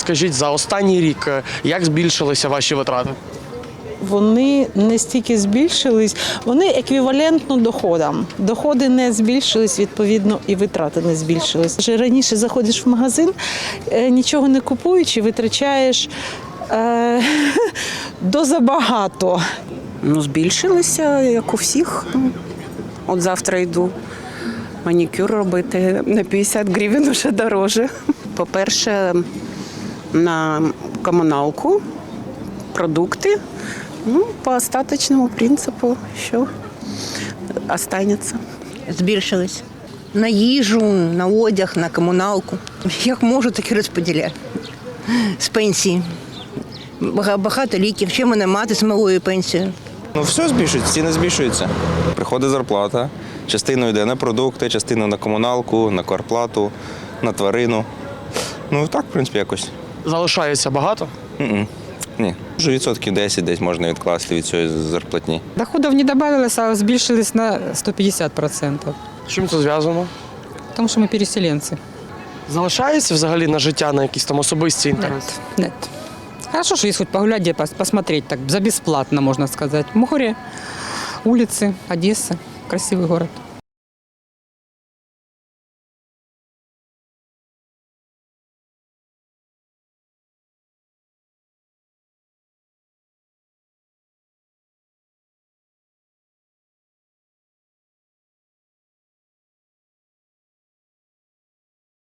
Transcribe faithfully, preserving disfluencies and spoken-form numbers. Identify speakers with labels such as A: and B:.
A: скажіть, за останній рік як збільшилися ваші витрати?
B: Вони не стільки збільшились, вони еквівалентно доходам. Доходи не збільшились, відповідно, і витрати не збільшились. Вже раніше заходиш в магазин, нічого не купуючи, витрачаєш е, дозабагато.
C: Ну, збільшилися, як у всіх. Ну, от завтра йду манікюр робити, на п'ятдесят гривень вже дороже. По-перше, на комуналку, продукти, ну, по остаточному принципу, що останеться.
D: Збільшились. На їжу, на одяг, на комуналку. Як можу, так і розподіляю. З пенсії. Багато ліків. Ще в мене мати з малою пенсією.
E: Ну, все збільшується, ціни збільшуються. Приходить зарплата, частина йде на продукти, частина на комуналку, на квартплату, на тварину. Ну, так, в принципі, якось.
A: Залишається багато?
E: Ні. Ні. Вже відсотків десять десь можна відкласти від цієї зарплатні.
F: Доходов не добавилось, а збільшились на сто пятьдесят процентов.
A: З чим це зв'язано?
F: Тому що ми переселенці.
A: Залишається взагалі на життя, на якісь там особисті інтереси?
F: Нет. Хорошо, что есть хоть погулять, где пос- посмотреть, так за бесплатно, можно сказать. Море, улицы, Одесса. Красивый город.